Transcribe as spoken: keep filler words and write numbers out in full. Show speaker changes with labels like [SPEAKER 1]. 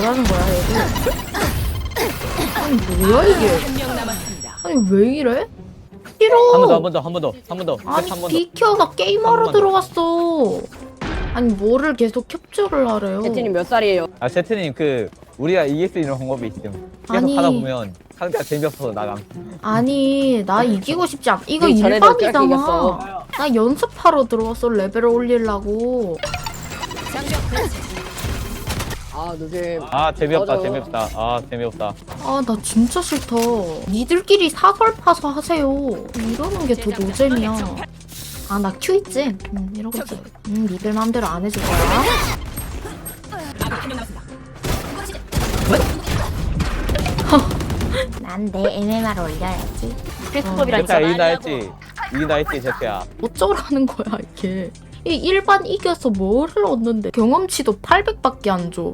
[SPEAKER 1] 뭐라는 거야 얘들? 아니 뭐야 이게? 아니 왜 이래? 싫어.
[SPEAKER 2] 한 번 더, 한 번 더, 한 번 더, 한 번 더.
[SPEAKER 1] 아니
[SPEAKER 2] 한 번 더.
[SPEAKER 1] 비켜, 나 게임하러
[SPEAKER 2] 한 번 더.
[SPEAKER 1] 들어갔어. 아니 뭐를 계속 캡처를 하래요?
[SPEAKER 3] 제트님 몇 살이에요?
[SPEAKER 2] 아 세트님 그 우리가 이길 수 있는 방법이 있음. 계속
[SPEAKER 1] 아니.
[SPEAKER 2] 하다 보면 상대가 재미없어서 나감.
[SPEAKER 1] 아니 나 이기고 싶지 않. 이거
[SPEAKER 3] 우리 전에도 그렇게
[SPEAKER 1] 일반이잖아.
[SPEAKER 3] 이겼어.
[SPEAKER 1] 나 연습하러 들어갔어. 레벨을 올리려고.
[SPEAKER 3] 아 요즘
[SPEAKER 2] 아 재미없다,
[SPEAKER 3] 맞아.
[SPEAKER 2] 재미없다. 아 재미없다.
[SPEAKER 1] 아 나 진짜 싫다. 니들끼리 사설 파서 하세요. 이러는 게 더 노잼이야. 아 나 큐 있지? 응 이러겠지. 응 니들 맘대로 안 해줄 거야. 난 내 엠엠알 올려야지.
[SPEAKER 3] 필수법이라
[SPEAKER 2] 제트야
[SPEAKER 3] 했잖아.
[SPEAKER 2] 이긴다 했지. 이긴다 했지 제트야.
[SPEAKER 1] 어쩌라는 거야 이게. 이 일반 이겨서 뭐를 얻는데 경험치도 팔백밖에 안 줘.